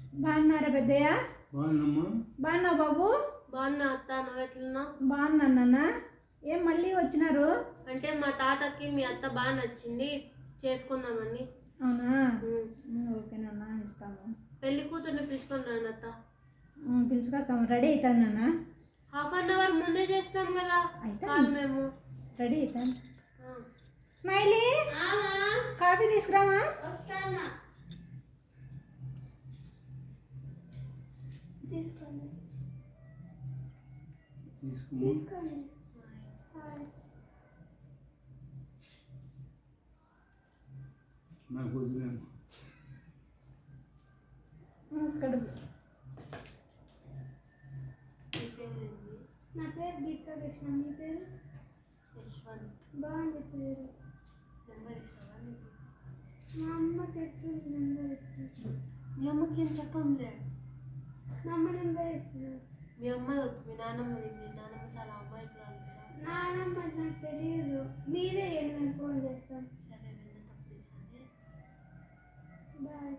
బాగున్నారా పెద్దయ్య? బాగున్నామ్మా. బాగున్నావు బాబు? బాగున్నా అత్త, నువ్వు ఎట్లున్నావు? బాగున్నాను నాన్న. ఏం మళ్ళీ వచ్చినారు? అంటే మా తాతకి మీ అత్త బాగా నచ్చింది, చేసుకుందామని. అవునా? ఓకే నాన్న, ఇస్తాము. పెళ్లి కూతుర్ని పిలుచుకొని రండి అత్త. పిలుచుకొస్తాము. రెడీ అవుతాను నాన్న. హాఫ్ అన్ అవర్ ముందే చేసినాం కదా అయితే మేము. రెడీ అవుతాను. స్మైలీ, కాఫీ తీసుకురామా? వస్తానా. తీసుకోండి. నాకు వదిలేము. ఇక్కడ నా పేరు గీతా కృష్ణ. మీ పేరు? యశ్వంత్. బాగుంది పేరు. నెంబర్ ఇస్తావా నీకు? మా అమ్మ తెలిసిన నెంబర్ ఇస్తుంది. మీ అమ్మకి ఏం చెప్పంలే. మా అమ్మ నెంబర్ ఇస్తుంది. మీ అమ్మ వద్దు, మీ నాన్నమ్మది. మీ నాన్నమ్మ చాలా అమ్మాయికురాలు కదా. నాన్నమ్మ నాకు తెలియదు. మీరే నేను ఫోన్ చేస్తాను. సరే, వెళ్ళేటప్పుడు ఇస్తానే. బాయ్.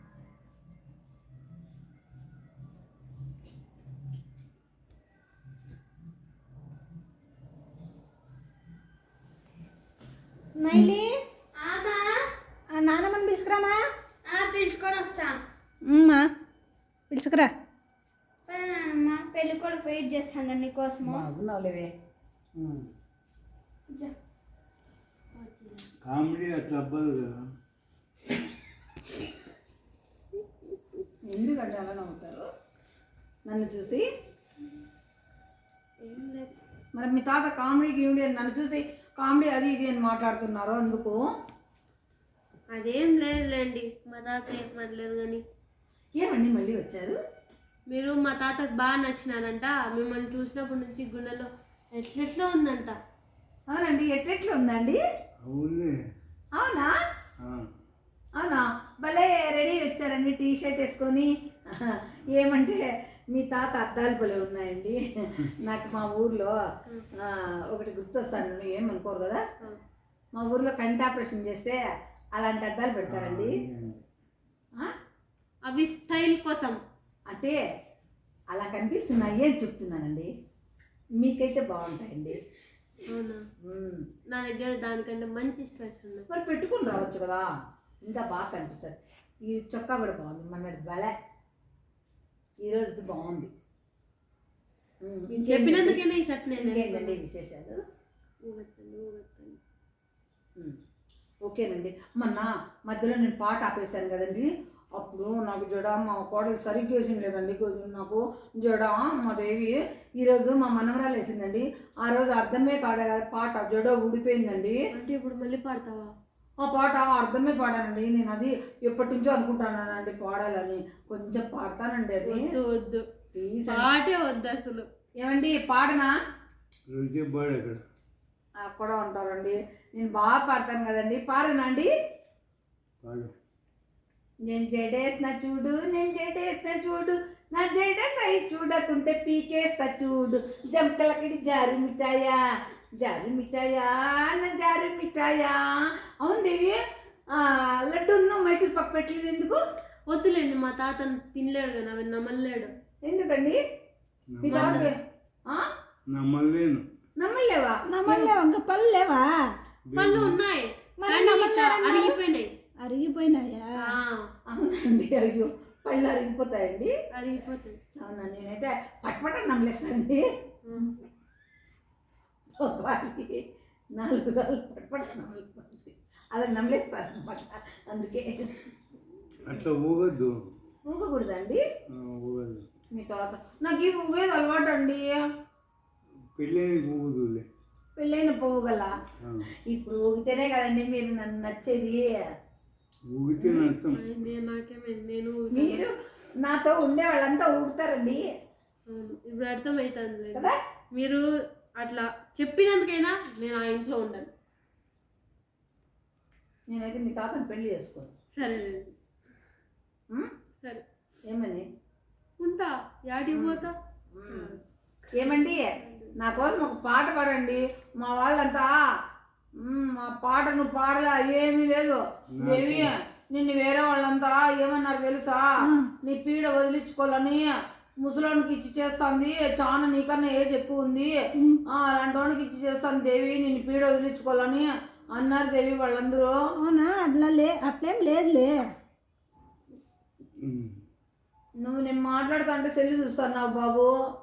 స్మైలీ, ఆమా నాన్నమ్మని పిలుచుకురామా? పిలుచుకొని వస్తా. పిలుచుకురా. సరే నాన్నమ్మ, పెళ్ళి కూడా వెయిట్ చేస్తాను నీకోసము. బాగున్నావులేవే. కామెడీ అట్లా అవ్వదు కదా. ఎందుకంటే అలా నవ్వుతారు నన్ను చూసి? ఏం లేదు. మరి మీ తాత కామెడీ గీమిడీ అని నన్ను చూసి కామెడీ అది ఇది అని మాట్లాడుతున్నారు. అందుకు అదేం లేదులేండి, మా తాత ఏం పర్లేదు. కానీ ఏమండి మళ్ళీ వచ్చారు? మీరు మా తాతకు బాగా నచ్చినారంట. మిమ్మల్ని చూసినప్పటి నుంచి గుండెలో ఎట్లెట్లో ఉందంట. అవునండి, ఎట్లెట్లు ఉందండి? అవునులే. అవునా? ఆ. అవునా? భలే రెడీ వచ్చారండి, టీ షర్ట్ వేసుకొని. ఏమంటే మీ తాత అద్దాలు భలే ఉన్నాయండి. నాకు మా ఊర్లో ఒకటి గుర్తొస్తాను, ఏమనుకోరు కదా. మా ఊర్లో కంటి ఆపరేషన్ చేస్తే అలాంటి అద్దాలు పెడతారండి. అవి స్టైల్ కోసం అంటే అలా కనిపిస్తున్నాయి అని చెప్తున్నానండి. మీకైతే బాగుంటాయండి. అవునా? నా దగ్గర దానికంటే మంచి స్పెట్స్ ఉన్నాయి. మరి పెట్టుకుని రావచ్చు కదా, ఇంకా బాగా కనిపిస్తుంది. ఈ చొక్కా కూడా బాగుంది, మొన్నటి భలే. ఈరోజుది బాగుంది. చెప్పినందుకైనా ఈ షర్ట్ నేను ఏంటండి విశేషాలు? ఓకేనండి. మొన్న మధ్యలో నేను పాట ఆపేశాను కదండి. అప్పుడు నాకు జడ మా కోడలు సరిగ్గా వేసింది లేదండి. నాకు జడ మా దేవి ఈరోజు మా మనవరాలు వేసిందండి. ఆ రోజు అర్థమే కాడ పాట జడ ఊడిపోయిందండి. అంటే ఇప్పుడు మళ్ళీ పాడతావా? ఆ పాట అర్థమే పాడానండి. నేను అది ఎప్పటి నుంచో అనుకుంటానండి పాడాలని. కొంచెం పాడతానండి. అది వద్దు, ప్లీజ్, పాటే వద్దు అసలు. ఏమండి పాడనా? పాడు అక్కడ కూడా ఉంటారండి. నేను బాగా పాడతాను కదండి, పాడనా అండి? పాడు. నేను జడేసిన చూడు, నేను జడేసిన చూడు, నా జడ సై చూడకుంటే పీకేస్తా చూడు. జంకలకి జారు మిఠాయా, జారు మిఠాయా, నా జారు మిఠాయా. అవును దేవి, లడ్డూను మైసూర్ పప్పు పెట్టలేదు ఎందుకు? వద్దులేండి, మా తాత తినలేడు కదా, అవి నమ్మలేడు. ఎందుకండి? మీ తాత నమ్మలేను. నమ్మలేవా? నమ్మలేవా? ఇంకా పళ్ళు లేవా? పళ్ళు ఉన్నాయి, అరిగిపోయినాయి. అరిగిపోయినాయా? అవునండి. అయ్యో, పళ్ళు అరిగిపోతాయండి? అరిగిపోతాయి. అవునా? నేనైతే పట్పట నమ్మలేస్తానండి. 4 రోజులు పట్పట నమ్మలేకపోతుంది, అది నమ్మలేస్తాను అనమాట. అందుకే అట్లా ఊగద్దు. ఊగకూడదండి? ఊగద్దు. మీ తర్వాత నాకు ఈ ఊగేది అలవాటు అండి. పెళ్ళి ఊగుదులే. పెళ్ళైన పోగల ఇప్పుడు ఊగితేనే కదండి మీరు నన్ను నచ్చేది. ఊగితే నచ్చం. నాకేమైంది? నేను మీరు నాతో ఉండే వాళ్ళంతా ఊగుతారండి. ఇప్పుడు అర్థమవుతుంది కదా. మీరు అట్లా చెప్పినందుకైనా నేను ఆ ఇంట్లో ఉండను. నేనైతే మీ తాతను పెళ్లి చేసుకోను. సరే సరే. ఏమని ఉంటా? యాడికి పోతా? ఏమండి, నా కోసం ఒక పాట పాడండి. మా వాళ్ళంతా మా పాటను పాడలా ఏమీ లేదు. దేవి నిన్ను వేరే వాళ్ళంతా ఏమన్నారు తెలుసా? నీ పీడ వదిలించుకోవాలని ముసలోనికి ఇచ్చి చేస్తుంది, చాలా నీకన్నా ఏజ్ ఎక్కువ ఉంది, అలాంటి వాడికి ఇచ్చి చేస్తాను దేవి, నిన్ను పీడ వదిలించుకోవాలని అన్నారు దేవి వాళ్ళందరూ. అవునా? అట్లేం లేదులే. నువ్వు నేను మాట్లాడుతా అంటే సెల్లు చూస్తున్నావు బాబు.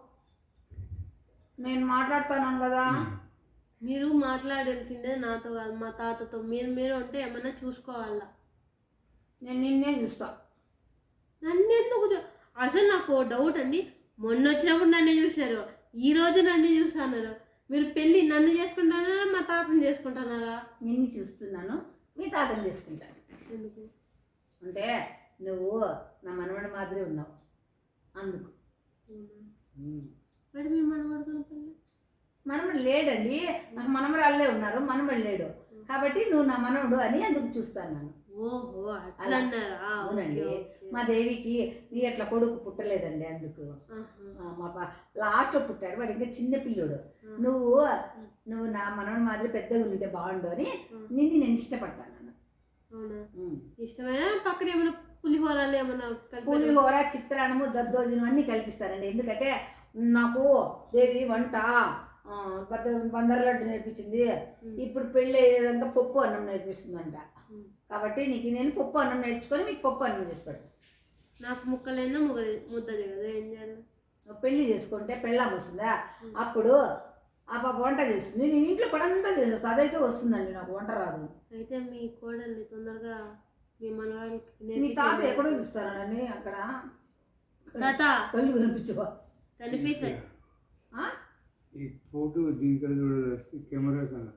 నేను మాట్లాడుతున్నాను కదా. మీరు మాట్లాడాల్సిందే నాతో కాదు, మా తాతతో. మీరు అంటే ఏమన్నా చూసుకోవాలా. నేను నిన్నే చూస్తా. నన్ను ఎందుకు అసలు నాకు డౌట్ అండి. మొన్న వచ్చినప్పుడు నన్ను చూసినారు, ఈ రోజు నన్ను చూస్తున్నారు. మీరు పెళ్ళి నన్ను చేసుకుంటున్నారా మా తాతని చేసుకుంటున్నారా? నిన్ను చూస్తున్నాను, మీ తాతని చేసుకుంటాను. ఎందుకు అంటే నువ్వు నా మనవడి మాదిరి ఉన్నావు అందుకు. మరి మేము మనవాడుకున్న పెళ్ళి మనవడు లేడండి, నాకు మనవరాళ్ళే ఉన్నారు, మనవడు లేడు కాబట్టి నువ్వు నా మనవడు అని అందుకు చూస్తాను నేను. ఓహో అట్లా అన్నారా? అవునండి. మా దేవికి నీ అట్లా కొడుకు పుట్టలేదండి అందుకు. మా లాస్ట్లో పుట్టాడు, వాడు ఇంకా చిన్న పిల్లోడు. నువ్వు నా మనవడి మాదిరి పెద్దగా ఉంటే బాగుండు అని నిన్ను నేను ఇష్టపడతాను. అవునా? ఇష్టమైన పక్కన ఏమైనా పులిహోరాలు ఏమన్నా పులిహోర, చిత్రాన్నము, దద్దోజనం అన్నీ కల్పిస్తానండి. ఎందుకంటే నాకు దేవి వంట బందర్ లడ్డు నేర్పించింది, ఇప్పుడు పెళ్ళి అయ్యేదంతా పప్పు అన్నం నేర్పిస్తుందంట. కాబట్టి నీకు నేను పప్పు అన్నం నేర్చుకొని మీకు పప్పు అన్నం చేసి పెడతాను. నాకు ముక్కలైనా ముద్ద కదా, ఏం చేయాలి? పెళ్ళి చేసుకుంటే పెళ్ళాం వస్తుందా, అప్పుడు ఆ పాప వంట చేస్తుంది, నేను ఇంట్లో పడంతా చేసేస్తాను. అదైతే వస్తుందండి, నాకు వంట రాదు. అయితే మీ కోడల్ని తొందరగా మీ మనవాళ్ళకి మీ తాత ఎక్కడో చూస్తానండి, అక్కడ తాత కళ్ళు కనిపించవా? కనిపిస్తాయి. ఈ ఫోటో దీనికల్ చూడాలి కెమెరా కన్నా.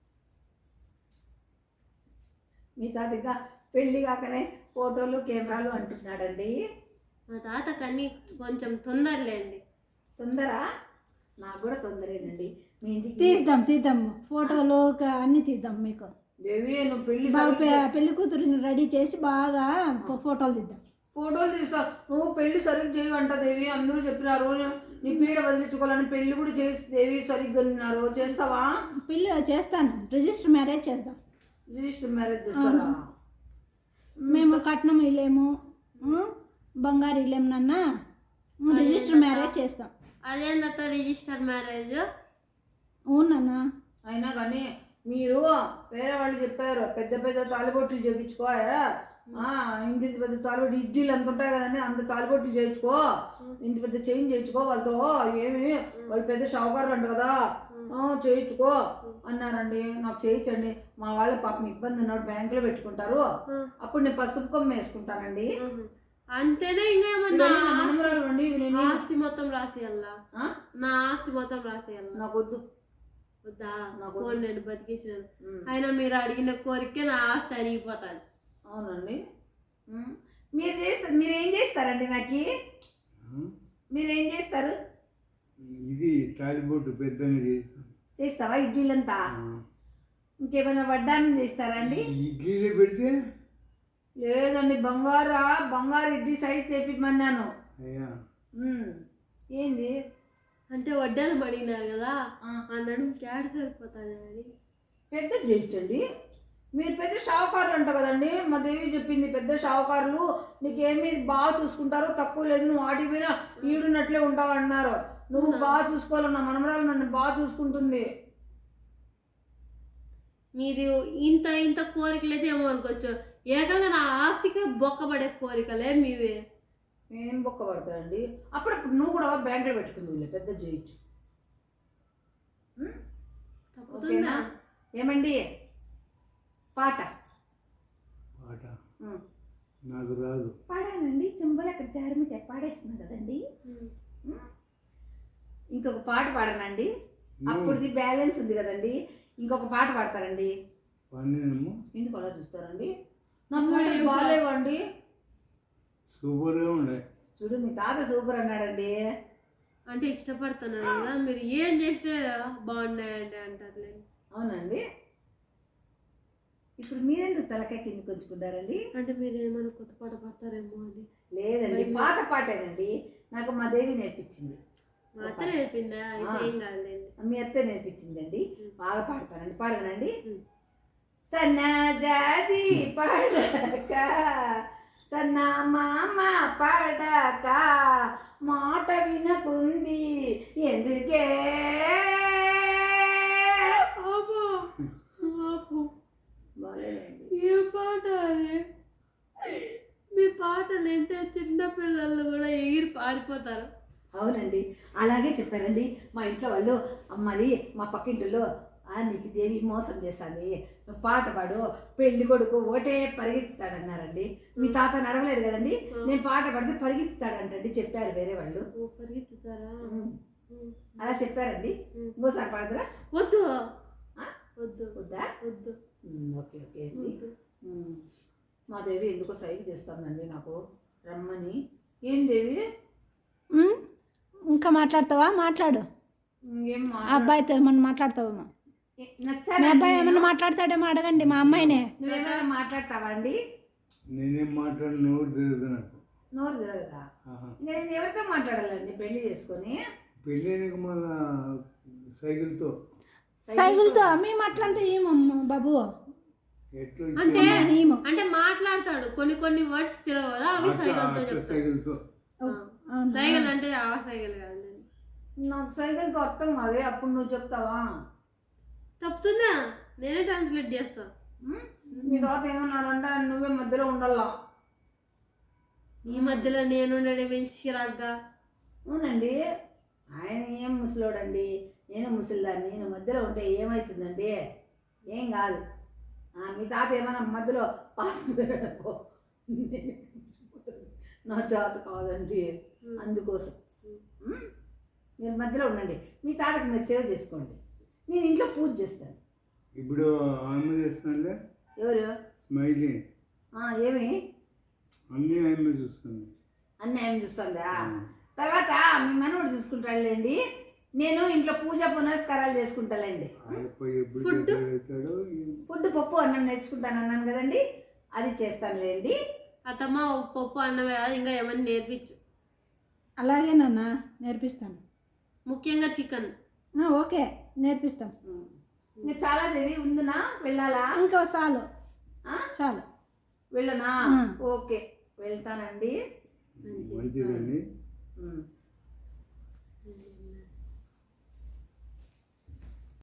మీ తాత ఇంకా పెళ్ళి కాకనే ఫోటోలు కెమెరాలు అంటున్నాడండి. మా తాత కన్నీ కొంచెం తొందరలేండి. తొందర? నాకు కూడా తొందరేనండి. మీ ఇంటికి తీద్దాం ఫోటోలు అన్నీ తీద్దాం. మీకు దేవి నువ్వు పెళ్ళి పెళ్లి కూతురు రెడీ చేసి బాగా ఫోటోలు తీద్దాం. ఫోటోలు తీస్తావు, నువ్వు పెళ్లి సరిగ్గా చేయవంట దేవి. అందరూ చెప్పినారు నీ పీడ వదిలించుకోవాలని. పెళ్లి కూడా చేసి దేవి సరిగ్గా ఉన్నారు, చేస్తావా? పెళ్ళి చేస్తాను, రిజిస్టర్ మ్యారేజ్ చేద్దాం. రిజిస్టర్ మ్యారేజ్ చేస్తారా? మేము కట్నం ఇల్లేము, బంగారు ఇల్లేము నాన్న, రిజిస్టర్ మ్యారేజ్ చేస్తాం. అదేందత్త రిజిస్టర్ మ్యారేజ్? అవునన్నా. అయినా కానీ మీరు వేరే వాళ్ళు చెప్పారు పెద్ద పెద్ద తాలిబొట్లు చేయించుకో, ఇంత పెద్ద తాలిబొట్లు ఇడ్లీలు అంత ఉంటాయి కదండి, అంత తాలిబొట్లు చేయించుకో, ఇంత పెద్ద చైన్ చేయించుకో, వాళ్ళతో ఏమి వాళ్ళు పెద్ద షావుకారులు అంట కదా, చేయించుకో అన్నారండి. నాకు చేయించండి, మా వాళ్ళ పాపం ఇబ్బంది ఉన్నాడు, బ్యాంకులో పెట్టుకుంటారు, అప్పుడు నేను పసుపు కొమ్మ వేసుకుంటానండి. అంతేనా? ఇంకేమన్నా మనమరాలు అండి, ఆస్తి మొత్తం రాసేయాలా? నా ఆస్తి మొత్తం రాసేయాలా? నాకు వద్దు. వద్దా? ఫోన్ నేను బతికించినాను, అయినా మీరు అడిగిన కోరికే నా ఆస్తి అరిగిపోతాను. అవునండి. మీరేం చేస్తారండి? నాకు మీరేం చేస్తారు? ఇది తాలిబొట్టు పెద్దగా చేస్తాం. చేస్తావా ఇడ్లీలంతా? ఇంకేమైనా వడ్డానం చేస్తారా అండి? ఇడ్లీలే పెడితే లేదండి, బంగారు ఇడ్లీ సైజ్ చేపిమన్నాను. అయ్యా ఏంది అంటే వడ్డానం అడిగినారు కదా అన్నాడు, క్యాడ్ సరిపోతుంది అని పెద్దది చేయించండి. మీరు పెద్ద షావుకారులు అంట కదండి, మా దేవి చెప్పింది పెద్ద షావుకారులు నీకేమీ బాగా చూసుకుంటారు, తక్కువ లేదు, నువ్వు వాటి మీద ఈడున్నట్లే ఉంటావు అన్నారు. నువ్వు బాగా చూసుకోవాలి, నా మనమరాలు నన్ను బాగా చూసుకుంటుంది. మీరు ఇంత కోరికలు అయితే ఏమో అనుకోవచ్చు, ఏకంగా నా ఆస్తికి బొక్కబడే కోరికలే మీవే. ఏం బొక్క పడతాయండి? అప్పుడప్పుడు నువ్వు కూడా బ్యాంకులో పెట్టుకుంది, పెద్ద చేయొచ్చు. తప్పుతుందా? ఏమండి పాట నాకు రాదు. పాడానండి, చెంబలు అక్కడ జారిమితే పాడేస్తున్నాను కదండి. ఇంకొక పాట పాడనండి, అప్పుడుది బ్యాలెన్స్ ఉంది కదండి, ఇంకొక పాట పాడతారండి. ఎందుకు అలా చూస్తారండి? నా పాటలు బాగాలేవండి. సూపర్గా ఉండే. చూడు మీ తాత సూపర్ అన్నాడండి. అంటే ఇష్టపడుతున్నాను కదా, మీరు ఏం చేస్తే బాగున్నాయండి అంటారులే. అవునండి. ఇప్పుడు మీరెందుకు తలకాయ కిందకి ఉంచుకుంటారండి? అంటే మీరు ఏమైనా కొత్త పాట పాడతారేమో అని. లేదండి, పాత పాటేనండి, నాకు మా దేవి నేర్పించింది. మా అత్త నేర్పిందా? అయితే ఏం కాదులేండి. మీ అత్త నేర్పించిందండి, బాగా పాడతానండి. పాడగనండి. సన్నజాజి పడక సన్న మామ పడక మాట వినకుంది ఎందుకే అబ్బో, అబ్బో. బాగాలేదండి. ఏ పాట అది? మీ పాటలు అంటే చిన్నపిల్లలు కూడా ఎగిరి పారిపోతారు. అవునండి, అలాగే చెప్పారండి మా ఇంట్లో వాళ్ళు. మరి మా పక్కింటిలో నీకు దేవి మోసం చేశాంది, నువ్వు పాట పాడు, పెళ్లి కొడుకు ఒకటే పరిగెత్తాడన్నారండి. మీ తాత నడవలేడు కదండి, నేను పాట పాడితే పరిగెత్తాడంటండి చెప్పారు వేరే వాళ్ళు. ఓ, పరిగెత్తుతారా? అలా చెప్పారండి. ఇంకోసారి పాడదురా? వద్దు, ఆ? వద్దు, వద్దా? వద్దు, ఓకే ఓకే అండి. వద్దు. మా దేవి ఎందుకో సైకి చేస్తుందండి నాకు రమ్మని. ఏం దేవి? ఉమ్, ఇంకా మాట్లాడతావా? మాట్లాడు. ఇంకేం ఆ అబ్బాయితో ఏమన్నా మాట్లాడతావేమో. మీ నచ్చారా? అబ్బాయి ఏమన్నా మాట్లాడతాడేమో అడగండి మా అమ్మాయినే. నువ్వేమైనా మాట్లాడతావా అండి? నేనేం మాట్లాడి నోరు తిరగదు నాకు. నోరు తిరగదా? ఆహా. ఇంకా నేను ఎవరితో మాట్లాడాలండి పెళ్లి చేసుకొని? పెళ్ళైనక మన సైకిల్తో సైకిల్తో మేము అట్లంతా ఏమమ్మా బాబు. ఎట్లా అంటే ఏమో. అంటే మాట్లాడతాడు, కొన్ని కొన్ని వర్డ్స్ తిరగవు కదా, అవి సైకిల్తో చెప్తాడు. సైకిల్తో సైకిల్ అంటే ఆ సైకిల్ కాదు. నాకు సైకిల్తో అర్థం కాదే, అప్పుడు నువ్వు చెప్తావా? తప్పుతుందా? నేనే ట్రాన్స్లేట్ చేస్తా. మీ తర్వాత ఏమన్నారంటే నువ్వే మధ్యలో ఉండాలా. ఈ మధ్యలో నేను చిరాగ్గా. అవునండి, ఆయన ఏం ముసలోడండి, నేను ముసలిదాన్ని, నేను మధ్యలో ఉంటే ఏమవుతుందండి? ఏం కాదు. మీ తాత ఏమైనా మధ్యలో పాస్ అనుకో, నా జాత కాదండి. అందుకోసం మీరు మధ్యలో ఉండండి, మీ తాతకి మీరు సేవ చేసుకోండి, నేను ఇంట్లో పూజ చేస్తాను. ఇప్పుడు ఆమె చేస్తానులే. ఎవరు? స్మైలీ ఏమి అన్నీ ఆమె చూస్తుంది. అన్నీ ఏమి చూస్తుందా? తర్వాత మీ మనవడు చూసుకుంటాడులేండి, నేను ఇంట్లో పూజ పునస్కారాలు చేసుకుంటానండి. ఎప్పుడు అవుతాడో ఫుడ్ పప్పు అన్నం నేర్చుకుంటాను అన్నాను కదండి, అది చేస్తానులేండి. అత్తమ్మ పప్పు అన్నమే కాదు, ఇంకా ఏమన్నా నేర్పించు. అలాగే నాన్న నేర్పిస్తాను. ముఖ్యంగా చికెన్. ఓకే నేర్పిస్తాం. ఇంకా చాలా దేవి ఉందినా, వెళ్ళాలా? ఇంకా చాలు చాలు. వెళ్ళనా? ఓకే వెళ్తానండి. మంచిదండి.